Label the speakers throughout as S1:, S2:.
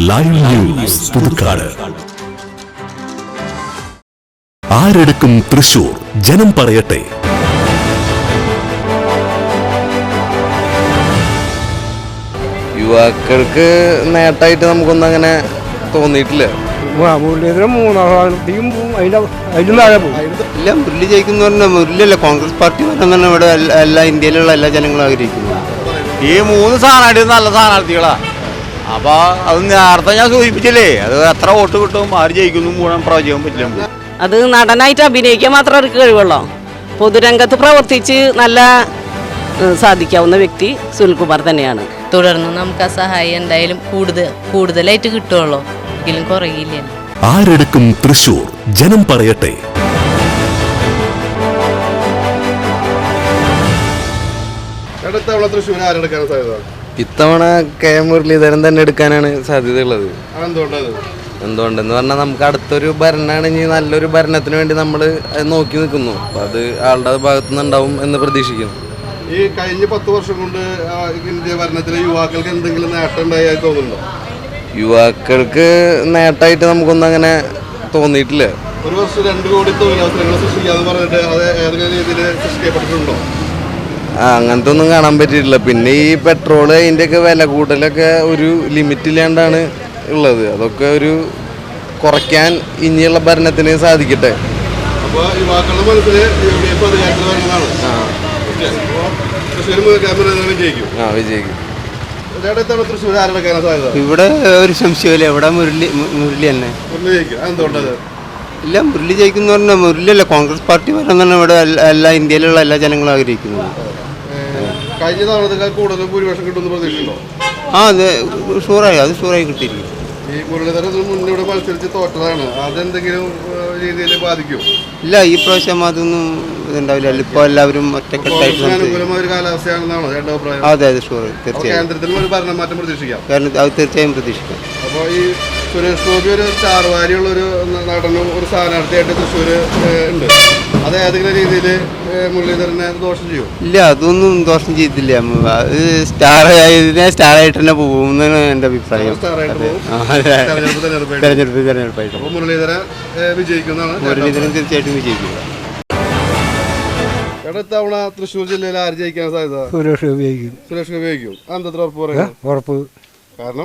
S1: Live news Puthukkad. ആരെടുക്കും തൃശൂർ? ജനം പറയട്ടെ.
S2: യുവാക്കൾക്ക് നേട്ടമായിട്ട് നമുക്കൊന്നും അങ്ങനെ തോന്നിയിട്ടില്ല. ഇല്ല, മുരളി ജയിക്കുന്ന പറഞ്ഞാൽ മുരളിയല്ല, കോൺഗ്രസ് പാർട്ടി വരണം ഇവിടെ എല്ലാ ഇന്ത്യയിലുള്ള എല്ലാ ജനങ്ങളും ആഗ്രഹിക്കുന്നു.
S3: ഈ മൂന്ന് സ്ഥാനാർത്ഥി നല്ല സ്ഥാനാർത്ഥികളാ. അപ്പൊ അത് നേരത്തെ ഞാൻ സൂചിപ്പിച്ചില്ലേ, അത് എത്ര വോട്ട് കിട്ടും, ആര് ജയിക്കുന്നു മൂന്നാം പ്രവചിക്കാൻ പറ്റില്ല.
S4: അത് നടനായിട്ട് അഭിനയിക്കാൻ മാത്രം അവർക്ക് കഴിവുള്ളൂ. പൊതുരംഗത്ത് പ്രവർത്തിച്ച് നല്ല സാധിക്കാവുന്ന വ്യക്തി സുനിൽകുമാർ തന്നെയാണ്.
S5: തുടർന്ന് നമുക്ക് ആ സഹായം എന്തായാലും കൂടുതലായിട്ട് കിട്ടുള്ളൂ, ഒരിക്കലും കുറയില്ല.
S1: ആരെടുക്കും തൃശൂർ? ജനം പറയട്ടെ.
S2: ഇത്തവണ കെ മുരളീധരൻ തന്നെ എടുക്കാനാണ് സാധ്യതയുള്ളത്. എന്തുകൊണ്ടെന്ന് പറഞ്ഞാൽ നമുക്ക് അടുത്തൊരു ഭരണമാണ്, ഇനി നല്ലൊരു ഭരണത്തിന് വേണ്ടി നമ്മൾ നോക്കി നിൽക്കുന്നു. അപ്പം അത് ആളുടെ ഭാഗത്തുനിന്ന് ഉണ്ടാവും എന്ന് പ്രതീക്ഷിക്കുന്നു.
S6: ഈ കഴിഞ്ഞ 10 വർഷം കൊണ്ട് ഇന്ത്യ ഭരണത്തിൽ യുവാക്കൾക്ക് എന്തെങ്കിലും നേട്ടം ഉണ്ടായി തോന്നുന്നുണ്ടോ?
S2: യുവാക്കൾക്ക് നേട്ടമായിട്ട് നമുക്കൊന്നും അങ്ങനെ തോന്നിയിട്ടില്ല.
S6: ഒരു വർഷം 2 കോടി തൊഴിലവസരങ്ങൾ സൃഷ്ടിക്കാന്ന് പറഞ്ഞിട്ട് അത് ഏതെങ്കിലും രീതിയിൽ സൃഷ്ടിക്കപ്പെട്ടിട്ടുണ്ടോ?
S2: അങ്ങനത്തെ ഒന്നും കാണാൻ പറ്റിയിട്ടില്ല. പിന്നെ ഈ പെട്രോള് അതിൻ്റെയൊക്കെ വില കൂട്ടലൊക്കെ ഒരു ലിമിറ്റില്ലാണ്ടാണ് ഉള്ളത്. അതൊക്കെ ഒരു കുറയ്ക്കാൻ ഇനിയുള്ള ഭരണത്തിന് സാധിക്കട്ടെ.
S6: അപ്പോൾ യുവാക്കളുടെ മനസ്സിൽ UDF അധികാരത്തിൽ വരുന്നതാണ്.
S2: വിജയിക്കും.
S6: തൃശ്ശൂർ ആരെടുക്കാനാണ് സാധ്യത?
S2: ഇവിടെ ഒരു സംശയമില്ല, ഇവിടെ മുരളി തന്നെ.
S6: എന്തുകൊണ്ടത്?
S2: ഇല്ല, മുരളി ജയിക്കുന്ന പറഞ്ഞാൽ മുരളിയല്ല, കോൺഗ്രസ് പാർട്ടി വരണം ഇവിടെ എല്ലാ ഇന്ത്യയിലുള്ള എല്ലാ ജനങ്ങളും ആഗ്രഹിക്കുന്നു.
S6: കഴിഞ്ഞ തവണത്തേക്കാൾ കൂടുതൽ ഭൂരിപക്ഷം കിട്ടുമെന്ന് പ്രതീക്ഷയുണ്ടോ?
S2: അത് ഷുവറായി കിട്ടിയിരിക്കും.
S6: ഈ മുരളീധരൻ മുന്നിവിടെ മത്സരിച്ച് തോറ്റതാണ്, അതെന്തെങ്കിലും രീതിയിൽ ബാധിക്കും?
S2: ഇല്ല, ഈ പ്രാവശ്യം അതൊന്നും ഇതുണ്ടാവില്ല. ഇപ്പോൾ എല്ലാവരും ഒറ്റക്കെട്ടായിട്ട്
S6: അനുകൂലമായ ഒരു കാലാവസ്ഥയാണെന്നാണോ ചേട്ടൻ്റെ അഭിപ്രായം?
S2: അതെ, ഷുവർ, തീർച്ചയായും.
S6: കേന്ദ്രത്തിലും ഒരു ഭരണമാറ്റം പ്രതീക്ഷിക്കാം.
S2: അത് തീർച്ചയായും പ്രതീക്ഷിക്കാം.
S6: അപ്പോൾ ഈ സുരേഷ് ഗോപി ഒരു സ്റ്റാർ വാരിയുള്ളൊരു നടനും ഒരു സ്ഥാനാർത്ഥിയായിട്ട് തൃശ്ശൂർ ഉണ്ട്. അത് ഏതെങ്കിലും രീതിയിൽ മുരളീധരനെ ദോഷം ചെയ്യും?
S2: ഇല്ല, അതൊന്നും ദോഷം ചെയ്തില്ല. അത് സ്റ്റാറായിട്ട് തന്നെ പോകും എന്നാണ് എൻ്റെ അഭിപ്രായം. തെരഞ്ഞെടുപ്പായിട്ട്
S6: മുരളീധരൻ വിജയിക്കുന്നതാണ്.
S2: മുരളീധരൻ തീർച്ചയായിട്ടും വിജയിക്കുക.
S6: ഇടത്തവണ തൃശ്ശൂർ ജില്ലയിൽ ആര് ജയിക്കാൻ സാധ്യത?
S7: സുരേഷ് ഗോപി ജയിക്കും.
S6: സുരേഷ് ഗോപി ജയിക്കും. അതെന്താ ഉറപ്പ് പറയുന്നത്?
S7: ഉറപ്പ്.
S6: കാരണം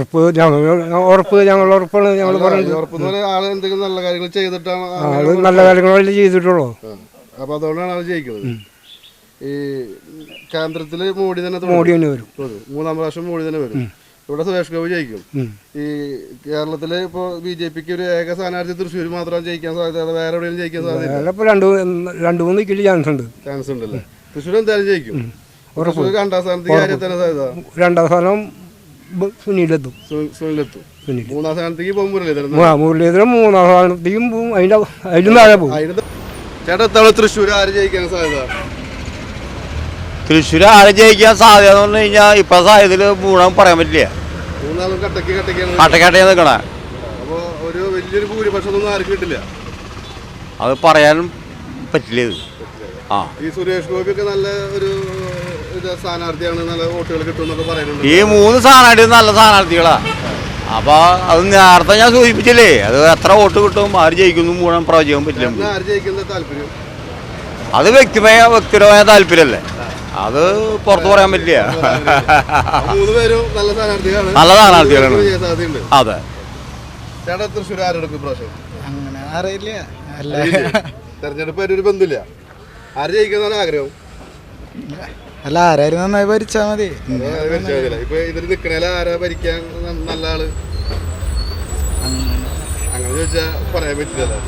S7: ഞങ്ങൾ ഉറപ്പാണ്. ഞങ്ങൾ
S6: ഉറപ്പ് ആള് എന്തെങ്കിലും നല്ല കാര്യങ്ങൾ ചെയ്തിട്ടാണ്.
S7: ആള് നല്ല കാര്യങ്ങളല്ലേ ചെയ്തിട്ടുള്ളൂ.
S6: അപ്പൊ അതുകൊണ്ടാണ് ആള് ജയിക്കുന്നത്. ഈ കേന്ദ്രത്തില് മോഡി തന്നെ
S7: വരും.
S6: 3ാം പ്രാവശ്യം മോഡി തന്നെ വരും. ഇവിടെ സുരേഷ് ഗോപി ജയിക്കും. ഈ കേരളത്തില് ഇപ്പൊ BJPക്ക് ഒരു ഏക സ്ഥാനാർത്ഥി തൃശ്ശൂർ മാത്രം ജയിക്കാൻ സാധ്യത, വേറെ എവിടെയും ജയിക്കാൻ സാധ്യത?
S7: 2-3 കിലോ
S6: ചാൻസ് ഉണ്ടല്ലേ? തൃശ്ശൂർ എന്തായാലും ജയിക്കും. 2ാം സ്ഥാനത്തേക്ക് ആരെ തന്നെ സാധ്യത?
S7: 2ാം സ്ഥാനം സുനിലെത്തും.
S6: 3ാം സ്ഥാനത്തേക്ക് പോകും മുരളീധരൻ.
S7: 3ാം സ്ഥാനത്തേക്കും പോകും, അതിലും താഴെ പോകും.
S6: ചേട്ടാ, തൃശ്ശൂർ ആര് ജയിക്കാൻ സാധ്യത?
S3: തൃശ്ശൂർ ആര് ജയിക്കാൻ സാധ്യത എന്ന് പറഞ്ഞു കഴിഞ്ഞാൽ ഇപ്പൊ സാധ്യതയിൽ മൂന്നാം പറയാൻ പറ്റില്ല.
S6: മൂന്നാളും കട്ടക്കാണ്
S3: നിൽക്കണേ.
S6: അപ്പൊ ഒരു വലിയൊരു ഭൂരിപക്ഷം ആർക്കും കിട്ടില്ല.
S3: അത് പറയാനും പറ്റില്ല.
S6: ഈ സുരേഷ് ഗോപി ഒക്കെ നല്ല ഒരു സ്ഥാനാർത്ഥിയാണ്, നല്ല വോട്ടുകൾ കിട്ടും പറയുന്നുണ്ട്.
S3: ഈ മൂന്ന് സ്ഥാനാർത്ഥി നല്ല സ്ഥാനാർത്ഥികളാ. അപ്പൊ അത് നേരത്തെ ഞാൻ സൂചിപ്പിച്ചില്ലേ, അത് എത്ര വോട്ട് കിട്ടും, ആര് ജയിക്കുന്നു മൂന്നാം പ്രവചിക്കാൻ പറ്റില്ല.
S6: ആര് ജയിക്കുന്ന താല്പര്യം?
S3: അത് വ്യക്തിപരമായ താല്പര്യമല്ലേ, അത് പുറത്ത് പറയാൻ പറ്റില്ല.
S6: 3 പേരും നല്ല സ്ഥാനാർത്ഥികളാണ്.
S3: അതെ.
S6: ചേട്ടാ, തൃശ്ശൂർ ആരെടുക്കും പ്രാവശ്യം?
S7: അങ്ങനെ അറിയില്ല.
S6: തെരഞ്ഞെടുപ്പ് ഒരു ബന്ധമില്ല. ആര് ജയിക്കുന്നതാണ് ആഗ്രഹം?
S7: അല്ല, ആരായിരുന്നു നന്നായി ഭരിച്ചാൽ മതി.
S6: ഇപ്പൊ ഇതിൽ നിക്കണേല ആരാ ഭരിക്കാൻ നല്ല ആള്? അങ്ങനെ ചോദിച്ചാ പറയാൻ പറ്റില്ലല്ലോ.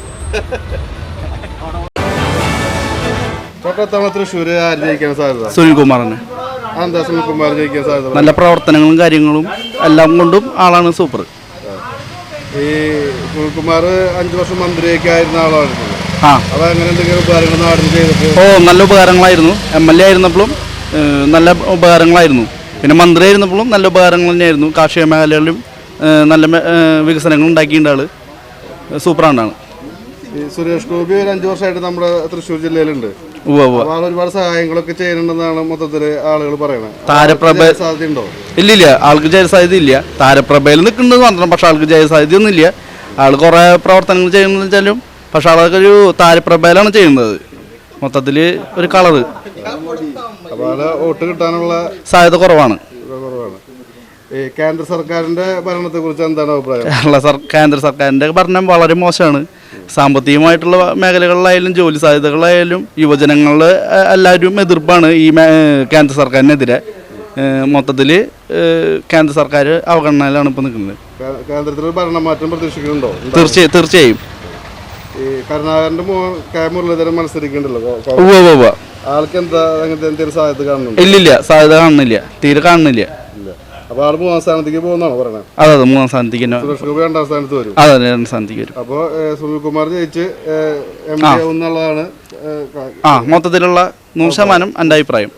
S6: തൊട്ടത്തവണ തൃശ്ശൂർ ആര് ജയിക്കാൻ സാധ്യത?
S8: സുനിൽകുമാറിന്.
S6: എന്താ സുനിൽകുമാർ ജയിക്കാൻ സാധ്യത?
S8: നല്ല പ്രവർത്തനങ്ങളും കാര്യങ്ങളും എല്ലാം കൊണ്ടും ആളാണ് സൂപ്പർ.
S6: ഈ സുനിൽകുമാർ 5 വർഷം മന്ത്രിയൊക്കെ ആയിരുന്ന ആളാണ്. അത് അങ്ങനെ എന്തെങ്കിലും ഉപകാരങ്ങൾ നാടിന് ചെയ്തിട്ട്?
S8: നല്ല ഉപകാരങ്ങളായിരുന്നു. MLA ആയിരുന്നപ്പോഴും നല്ല ഉപകാരങ്ങളായിരുന്നു. പിന്നെ മന്ത്രി ആയിരുന്നപ്പോഴും നല്ല ഉപകാരങ്ങൾ തന്നെയായിരുന്നു. കാർഷിക മേഖലകളിലും നല്ല വികസനങ്ങൾ ഉണ്ടാക്കിയിട്ടുണ്ട്. ആള് സൂപ്പറാണ്ടാണ്.
S6: സുരേഷ് ഗോപി 5 വർഷമായിട്ട് നമ്മുടെ തൃശ്ശൂർ ജില്ലയിലുണ്ട്.
S8: ഉവ്വ് ഉവ്വ്.
S6: അപ്പൊ ആൾ ഒരുപാട് സഹായങ്ങളൊക്കെ ചെയ്യുന്നുണ്ടെന്നാണ് മൊത്തത്തില് ആളുകൾ പറയണത്.
S8: താരപ്രഭ
S6: സാധ്യതയുണ്ടോ?
S8: ഇല്ലില്ല, ആൾക്ക് ജയസാധ്യത ഇല്ല. താരപ്രഭയിൽ നിൽക്കുന്നുണ്ട് മാത്രം, പക്ഷെ ആൾക്ക് ജയസാധ്യത ഒന്നും ഇല്ല. ആൾ കുറേ പ്രവർത്തനങ്ങൾ ചെയ്യുന്നത് വെച്ചാലും പക്ഷെ ആളൊക്കെ ഒരു താരപ്രഭയിലാണ് ചെയ്യുന്നത്. മൊത്തത്തിൽ ഒരു കളറ്
S6: അപ്പൊ ആള് വോട്ട് കിട്ടാനുള്ള
S8: സാധ്യത കുറവാണ്.
S6: ഈ കേന്ദ്ര സർക്കാരിന്റെ ഭരണത്തെ കുറിച്ച് എന്താണ് അഭിപ്രായം?
S8: കേന്ദ്ര സർക്കാരിൻ്റെ ഭരണം വളരെ മോശമാണ്. സാമ്പത്തികമായിട്ടുള്ള മേഖലകളിലായാലും ജോലി സാധ്യതകളായാലും യുവജനങ്ങളുടെ എല്ലാവരും എതിർപ്പാണ് ഈ കേന്ദ്ര സർക്കാരിനെതിരെ. മൊത്തത്തിൽ കേന്ദ്ര സർക്കാർ അവഗണനയിലാണ് ഇപ്പോൾ നിൽക്കുന്നത്.
S6: കേന്ദ്രത്തിൽ ഭരണമാറ്റം പ്രതീക്ഷിക്കുന്നുണ്ടോ?
S8: തീർച്ചയായും.
S6: ഈ കരുണാകരന്റെ കെ മുരളീധരൻ മത്സരിക്കുന്നുണ്ടല്ലോ,
S8: ഉവ്വ്.
S6: ആൾക്ക് എന്താ അങ്ങനത്തെ എന്തെങ്കിലും സാധ്യത കാണുന്നുണ്ടോ?
S8: ഇല്ലില്ല, സാധ്യത കാണുന്നില്ല, തീരെ കാണുന്നില്ല.
S6: അപ്പൊ ആള് 3ാം സ്ഥാനത്തേക്ക് പോകുന്നാണോ പറയണത്?
S8: അതെ, 3ാം സ്ഥാനത്തേക്ക് തന്നെ.
S6: സുരേഷ് ഗോപി 2ാം സ്ഥാനത്ത് വരും.
S8: അതെ, 2ാം സ്ഥാനത്തേക്ക് വരും.
S6: അപ്പൊ സുനിൽകുമാർ ജയിച്ച് MP ആവുന്നുള്ളതാണ്
S8: മൊത്തത്തിലുള്ള 100% എൻ്റെ അഭിപ്രായം.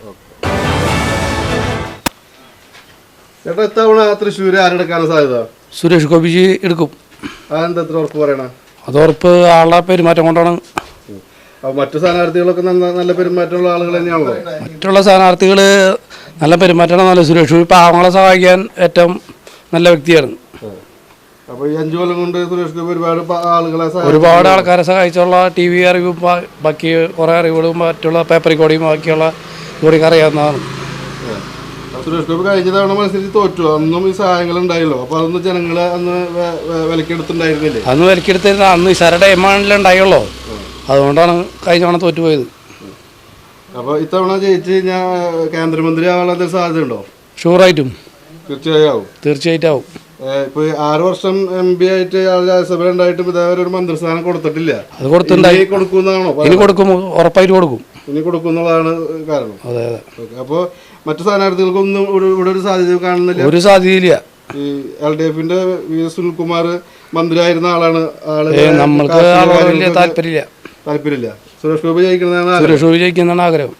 S6: ചേട്ടാ, ഇത്തവണ തൃശ്ശൂര് ആരെടുക്കാണ് സാധ്യത?
S7: സുരേഷ് ഗോപിജി എടുക്കും.
S6: അതെന്താ എത്ര ഉറപ്പ് പറയണ?
S7: അത് ഉറപ്പ് ആളുടെ പെരുമാറ്റം കൊണ്ടാണ്.
S6: അപ്പൊ മറ്റു സ്ഥാനാർത്ഥികളൊക്കെ നല്ല പെരുമാറ്റമുള്ള ആളുകൾ തന്നെയാണല്ലോ.
S7: മറ്റുള്ള സ്ഥാനാർത്ഥികൾ നല്ല പെരുമാറ്റമാണ്. നല്ല സുരേഷ് ഗോപി പാവങ്ങളെ സഹായിക്കാൻ ഏറ്റവും നല്ല വ്യക്തിയാണ്.
S6: അപ്പൊ ഈ 5 കൊല്ലം കൊണ്ട് സുരേഷ് ഗോപി
S7: ഒരുപാട് ആൾക്കാരെ സഹായിച്ചുള്ള TV അറിവും ബാക്കി കുറേ അറിവുകളും മറ്റുള്ള പേപ്പർ റെക്കോർഡിങ്ങും ബാക്കിയുള്ള ഇവിടേക്ക് അറിയാവുന്നതാണ്.
S6: സുരേഷ് ഗോപി കഴിഞ്ഞ തവണ മത്സരിച്ച് തോറ്റു. അന്നും ഈ സഹായങ്ങൾ ഉണ്ടായല്ലോ. അപ്പൊ അതൊന്നും ജനങ്ങളെ അന്ന് വിലക്കെടുത്തുണ്ടായിരുന്നില്ലേ?
S7: അന്ന് വിലക്കെടുത്തിരുന്ന അന്ന് ഇസാരുടെ എമാണ്ടിലേ ഉണ്ടായുള്ളൂ. അതുകൊണ്ടാണ് കഴിഞ്ഞ തവണ തോറ്റുപോയത്.
S6: അപ്പൊ ഇത്തവണ ജയിച്ച് ഞാൻ കേന്ദ്രമന്ത്രി ആവാനുള്ള എന്തെങ്കിലും സാധ്യത ഉണ്ടോ?
S7: ഷുവറായിട്ടും.
S6: തീർച്ചയായിട്ടും ആവും. ഇപ്പൊ 6 വർഷം MP ആയിട്ട് രാജ്യസഭ ഉണ്ടായിട്ടും ഇതേവരെ ഒരു മന്ത്രിസ്ഥാനം കൊടുത്തിട്ടില്ല.
S7: അത് കൊടുത്തിട്ടുണ്ടായി.
S6: കൊടുക്കുന്നതാണോ?
S7: ഇനി കൊടുക്കും, ഉറപ്പായിട്ട് കൊടുക്കും.
S6: ഇനി കൊടുക്കുന്നതാണ് കാരണം.
S7: അതെ.
S6: അപ്പൊ മറ്റു സ്ഥാനാർത്ഥികൾക്കൊന്നും ഇവിടെ ഒരു സാധ്യത കാണുന്നില്ല.
S7: ഒരു സാധ്യതയില്ല.
S6: ഈ LDF-ന്റെ സുനിൽകുമാർ മന്ത്രിയായിരുന്ന ആളാണ്.
S7: നമ്മൾക്ക് താല്പര്യമില്ല.
S6: സുരേഷ് ഗോപി
S7: ജയിക്കുന്നതാണ് ആഗ്രഹം.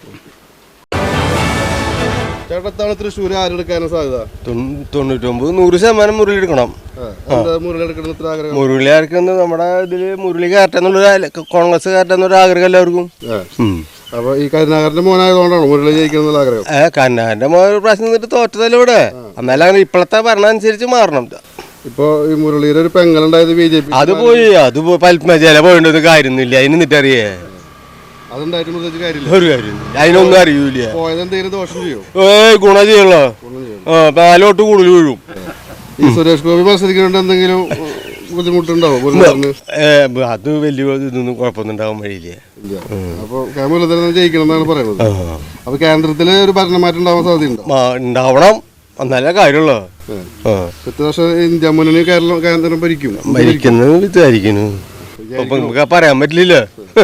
S6: ചേട്ടത്താണ് തൃശ്ശൂർ ആരെടുക്കാനും സാധ്യത?
S3: 99-100% മുരളി എടുക്കണം.
S6: മുരളി എടുക്കണം ആഗ്രഹം?
S3: മുരളി ആർക്കെന്ന് നമ്മുടെ ഇതില് മുരളി കയറ്റെന്നുള്ള കോൺഗ്രസ് കയറ്റെന്നൊരു ആഗ്രഹം എല്ലാവർക്കും.
S6: അപ്പൊ ഈ കരുണാകരന്റെ മോനായതുകൊണ്ടാണ് മുരളി ജയിക്കണം ആഗ്രഹം?
S3: കരുണാകരന്റെ മോൻ ഒരു പ്രാവശ്യം നിന്നിട്ട് തോറ്റതല്ലേ ഇവിടെ. എന്നാലും അങ്ങനെ ഇപ്പോഴത്തെ ഭരണം അനുസരിച്ച് മാറണം.
S6: ഇപ്പൊ ഈ മുരളിയുടെ ഒരു പെങ്ങളുണ്ടായത് BJP.
S3: അത് പോയി പത്മജല പോയിട്ടൊന്നും കാര്യമൊന്നുമില്ല. അതിന് നിന്നിട്ടറിയേ
S6: അതുണ്ടായിട്ടും
S3: ഒരു കാര്യം അതിനൊന്നും അറിയൂല.
S6: പോയതെന്തെങ്കിലും ദോഷം ചെയ്യോ?
S3: ഗുണം ചെയ്യല്ലോ. 4 വോട്ട് കൂടുതൽ വീഴും.
S6: ഈ സുരേഷ് ഗോപി മത്സരിക്കുന്നുണ്ട് എന്തെങ്കിലും ബുദ്ധിമുട്ടുണ്ടാവും?
S3: അത് വലിയ ഇതൊന്നും കുഴപ്പമൊന്നും ഉണ്ടാവാൻ വഴിയില്ല.
S6: അപ്പൊ മുരളീധരൻ ജയിക്കണം എന്നാണ് പറയുന്നത്. അപ്പൊ കേന്ദ്രത്തില് ഒരു ഭരണമാറ്റം ഉണ്ടാവാൻ സാധ്യതയുണ്ടോ?
S3: ഉണ്ടാവണം, നല്ല കാര്യമുള്ളൂ.
S6: 10 വർഷം ഇന്ത്യ മുന്നണി കേന്ദ്രം
S3: ഭരിക്കുന്നത് വിചാരിക്കുന്നു. നമുക്ക് പറയാൻ പറ്റില്ല.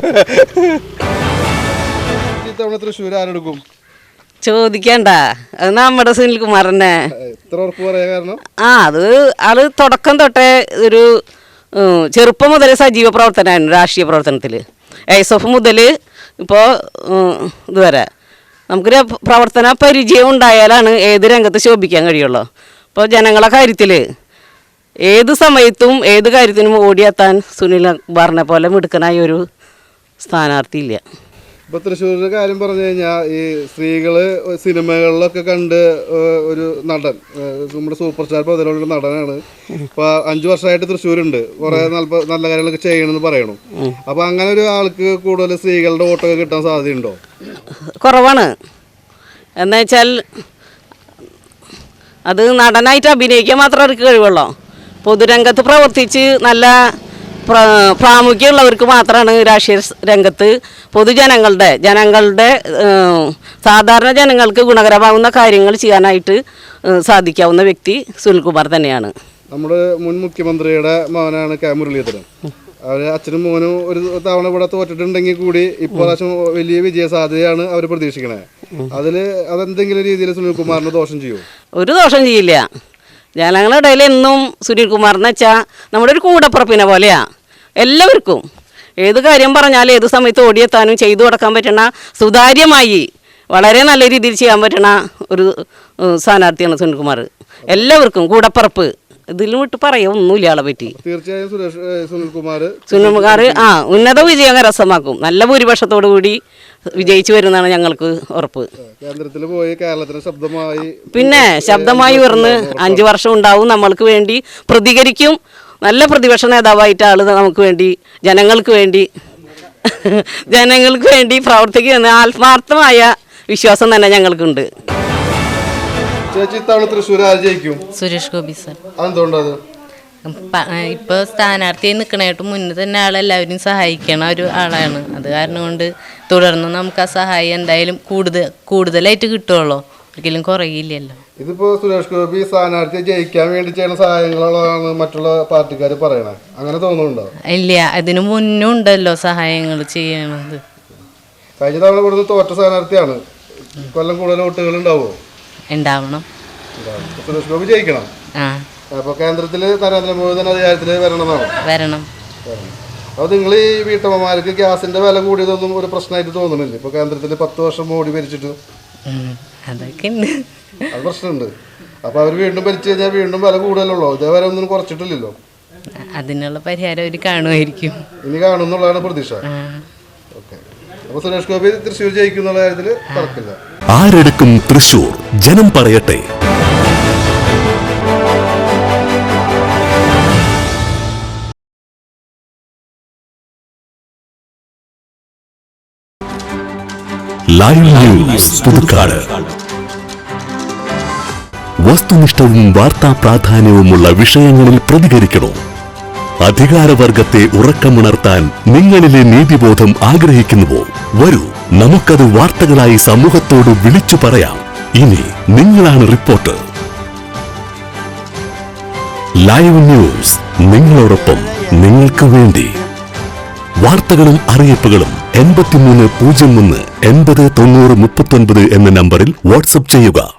S6: ഇത്തവണ തൃശ്ശൂർ ആരെടുക്കും?
S4: ചോദിക്കണ്ട, അത് നമ്മുടെ സുനിൽകുമാറിനെ.
S6: എത്ര ഉറപ്പ് പറയാ കാരണം?
S4: അത് ആള് തുടക്കം തൊട്ടേ ഒരു ചെറുപ്പം മുതൽ സജീവ പ്രവർത്തനമായിരുന്നു രാഷ്ട്രീയ പ്രവർത്തനത്തിൽ. ASF മുതൽ ഇപ്പോൾ ഇതുവരെ നമുക്കൊരു പ്രവർത്തന പരിചയം ഉണ്ടായാലാണ് ഏത് രംഗത്ത് ശോഭിക്കാൻ കഴിയുള്ളൂ. ഇപ്പോൾ ജനങ്ങളെ കാര്യത്തിൽ ഏത് സമയത്തും ഏത് കാര്യത്തിനും ഓടിയെത്താൻ സുനിൽകുമാറിനെ പോലെ മിടുക്കനായ ഒരു സ്ഥാനാർത്ഥിയില്ല.
S6: ഇപ്പൊ തൃശ്ശൂരിന്റെ കാര്യം പറഞ്ഞു കഴിഞ്ഞാൽ ഈ സ്ത്രീകള് സിനിമകളിലൊക്കെ കണ്ട് ഒരു നടൻ, നമ്മുടെ സൂപ്പർ സ്റ്റാർ പതിലുള്ള നടനാണ്. ഇപ്പൊ 5 വർഷമായിട്ട് തൃശ്ശൂരുണ്ട്, കുറെ നല്ല കാര്യങ്ങളൊക്കെ ചെയ്യണമെന്ന് പറയണു. അപ്പൊ അങ്ങനെ ഒരു ആൾക്ക് കൂടുതൽ സ്ത്രീകളുടെ വോട്ടൊക്കെ കിട്ടാൻ സാധ്യതയുണ്ടോ?
S4: കുറവാണ്. എന്നുവെച്ചാൽ അത് നടനായിട്ട് അഭിനയിക്കാൻ മാത്രം അവർക്ക് കഴിവുള്ളൂ. പൊതുരംഗത്ത് പ്രവർത്തിച്ച് നല്ല പ്രാമുഖ്യമുള്ളവർക്ക് മാത്രമാണ് രാഷ്ട്രീയ രംഗത്ത് ജനങ്ങളുടെ സാധാരണ ജനങ്ങൾക്ക് ഗുണകരമാകുന്ന കാര്യങ്ങൾ ചെയ്യാനായിട്ട് സാധിക്കാവുന്ന വ്യക്തി സുനിൽകുമാർ തന്നെയാണ്.
S6: നമ്മുടെ മുൻ മുഖ്യമന്ത്രിയുടെ മകനാണ് കെ മുരളീധരൻ. അവർ അച്ഛനും മോനും ഒരു തവണ ഇവിടെ തോറ്റിട്ടുണ്ടെങ്കിൽ കൂടി ഇപ്രാവശ്യം വലിയ വിജയ സാധ്യതയാണ് അവർ പ്രതീക്ഷിക്കണേ. അതെന്തെങ്കിലും രീതിയിൽ സുനിൽകുമാറിന് ദോഷം ചെയ്യുമോ?
S4: ഒരു ദോഷം ചെയ്യില്ല. ജനങ്ങളുടെ ഇടയിൽ എന്നും സുനിൽകുമാറിന് വെച്ചാൽ നമ്മുടെ ഒരു കൂടപ്പുറപ്പിനെ പോലെയാണ്. എല്ലാവർക്കും ഏത് കാര്യം പറഞ്ഞാലും ഏത് സമയത്ത് ഓടിയെത്താനും ചെയ്തു കൊടുക്കാൻ പറ്റണ, സുതാര്യമായി വളരെ നല്ല രീതിയിൽ ചെയ്യാൻ പറ്റണ ഒരു സ്ഥാനാർത്ഥിയാണ് സുനിൽകുമാർ. എല്ലാവർക്കും കൂടപ്പുറപ്പ് ഇതിലും വിട്ട് പറയാൻ ഒന്നുമില്ല ആളെ പറ്റി.
S6: തീർച്ചയായും
S4: സുനിൽകുമാർ ഉന്നത വിജയം കരസ്ഥമാക്കും. നല്ല ഭൂരിപക്ഷത്തോടു കൂടി വിജയിച്ചു വരുന്നതാണ് ഞങ്ങൾക്ക് ഉറപ്പ്.
S6: കേന്ദ്രത്തിൽ പോയി കേരളത്തിന് ശബ്ദമായി
S4: പിന്നെ ശബ്ദമായി ഉയർന്ന് 5 വർഷം ഉണ്ടാവും. നമ്മൾക്ക് വേണ്ടി പ്രതികരിക്കും. നല്ല പ്രതിപക്ഷ നേതാവായിട്ട് ആള് നമുക്ക് വേണ്ടി ജനങ്ങൾക്ക് വേണ്ടി പ്രവർത്തിക്കുന്ന ആത്മാർത്ഥമായ വിശ്വാസം തന്നെ ഞങ്ങൾക്കുണ്ട്.
S6: ചേച്ചി ഇത്തവണ തൃശ്ശൂർ ആര് ജയിക്കും?
S5: സുരേഷ് ഗോപി സാർ.
S6: അതെന്തുകൊണ്ടത്?
S5: ഇപ്പോൾ സ്ഥാനാർത്ഥിയായി നിൽക്കണായിട്ട് മുന്നേ തന്നെ ആളെല്ലാവരും സഹായിക്കണ ഒരു ആളാണ്. അത് കാരണം കൊണ്ട് തുടർന്ന് നമുക്ക് ആ സഹായം എന്തായാലും കൂടുതലായിട്ട് കിട്ടുമല്ലോ, ഒരിക്കലും കുറയില്ലല്ലോ.
S6: ഇതിപ്പോ സുരേഷ് ഗോപി സ്ഥാനാർത്ഥിയെ ജയിക്കാൻ വേണ്ടി ചെയ്യുന്ന സഹായങ്ങളാണ് മറ്റുള്ള പാർട്ടിക്കാർ പറയണത്, അങ്ങനെ തോന്നുന്നുണ്ടോ?
S5: ഇല്ല, അതിനു മുന്നും ഉണ്ടല്ലോ സഹായങ്ങൾ ചെയ്യണത്.
S6: കഴിഞ്ഞ തവണ ഇവിടുന്ന് തോറ്റ സ്ഥാനാർത്ഥിയാണ്. കൊല്ലം കൂടുതൽ വോട്ടുകൾ ഉണ്ടാവുമോ?
S5: ഉണ്ടാവണം.
S6: സുരേഷ് ഗോപി ജയിക്കണം. അപ്പൊ കേന്ദ്രത്തില് നരേന്ദ്രമോദി തന്നെ അധികാരത്തിൽ വരണം. അപ്പൊ നിങ്ങൾ ഈ വീട്ടമ്മമാർക്ക് ഗ്യാസിന്റെ വില കൂടിയതൊന്നും ഒരു പ്രശ്നമായിട്ട് തോന്നുന്നില്ല? ഇപ്പൊ കേന്ദ്രത്തിൽ 10 വർഷം മോഡി ഭരിച്ചിട്ട്
S5: അതൊക്കെ ഉണ്ട്,
S6: അത് പ്രശ്നമുണ്ട്. അപ്പൊ അവർ വീണ്ടും ഭരിച്ചു കഴിഞ്ഞാൽ വീണ്ടും വില കൂടുതലുള്ളൂ. ഇതേവരെ ഒന്നും കുറച്ചിട്ടില്ലല്ലോ.
S5: അതിനുള്ള പരിഹാരം അവർ കാണുമായിരിക്കും.
S6: ഇനി കാണുന്നുള്ളതാണ് പ്രതീക്ഷ. ഓക്കെ. അപ്പൊ സുരേഷ് ഗോപി തൃശ്ശൂർ ജയിക്കുന്നുള്ള കാര്യത്തിൽ തർക്കമില്ല.
S1: ആരെടുക്കും തൃശൂർ? ജനം പറയട്ടെ. Live news Puthukkad. വസ്തുനിഷ്ഠവും വാർത്താ പ്രാധാന്യവുമുള്ള വിഷയങ്ങളിൽ പ്രതികരിക്കണോ? അധികാരവർഗത്തെ ഉറക്കമുണർത്താൻ നിങ്ങളിലെ നീതിബോധം ആഗ്രഹിക്കുന്നുവോ? വരൂ, നമുക്കത് വാർത്തകളായി സമൂഹത്തോട് വിളിച്ചു പറയാം. ഇനി നിങ്ങളാണ് റിപ്പോർട്ടർ. ലൈവ് ന്യൂസ്, നിങ്ങളോടൊപ്പം, നിങ്ങൾക്ക് വേണ്ടി. വാർത്തകളും അറിയിപ്പുകളും 8301 80 90 39 എന്ന നമ്പറിൽ വാട്സ്ആപ്പ് ചെയ്യുക.